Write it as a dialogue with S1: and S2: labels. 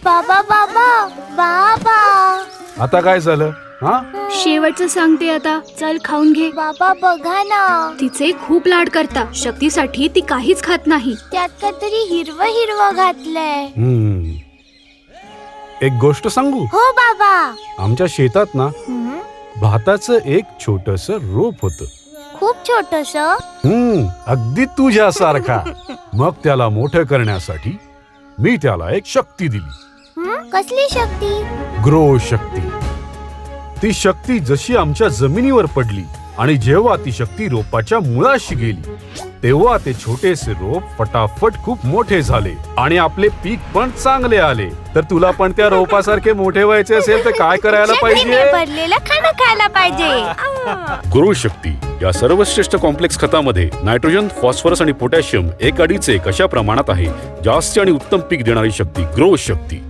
S1: बाबा बाबा बाबा.
S2: आता काय झालं? हा,
S3: शेवटचं सांगते आता, चल खाऊन घे.
S1: बाबा बघा ना,
S3: तिचे खूप लाड करता. शक्तीसाठी ती काहीच खात नाही.
S1: त्यात काहीतरी हिरवं हिरवं घातलंय.
S2: एक गोष्ट सांगू?
S1: हो बाबा.
S2: आमच्या शेतात ना
S1: हं?
S2: भाताचं एक छोटस रोप होतं.
S1: खूप छोटस.
S2: अगदी तुझ्यासारखा. मग त्याला मोठं करण्यासाठी मी त्याला एक शक्ती दिली.
S1: कसली शक्ती?
S2: ग्रो शक्ती. ती शक्ती जशी आमच्या जमिनीवर पडली आणि जेव्हा ती शक्ती रोपाच्या मुळाशी गेली तेव्हा ते छोटेसे रोप फटाफट खूप मोठे झाले आणि आपले पीक पण चांगले आले. तर तुला पण त्या रोपासारखे मोठे व्हायचे असेल तर काय करायला
S1: शक्तीने
S2: पाहिजे?
S1: भरलेलं खाणं खायला पाहिजे.
S2: ग्रो शक्ती या सर्वश्रेष्ठ कॉम्प्लेक्स खतामध्ये नायट्रोजन, फॉस्फरस आणि पोटॅशियम 1:2 अशा प्रमाणात आहे. जास्त आणि उत्तम पीक देणारी शक्ती ग्रो शक्ती.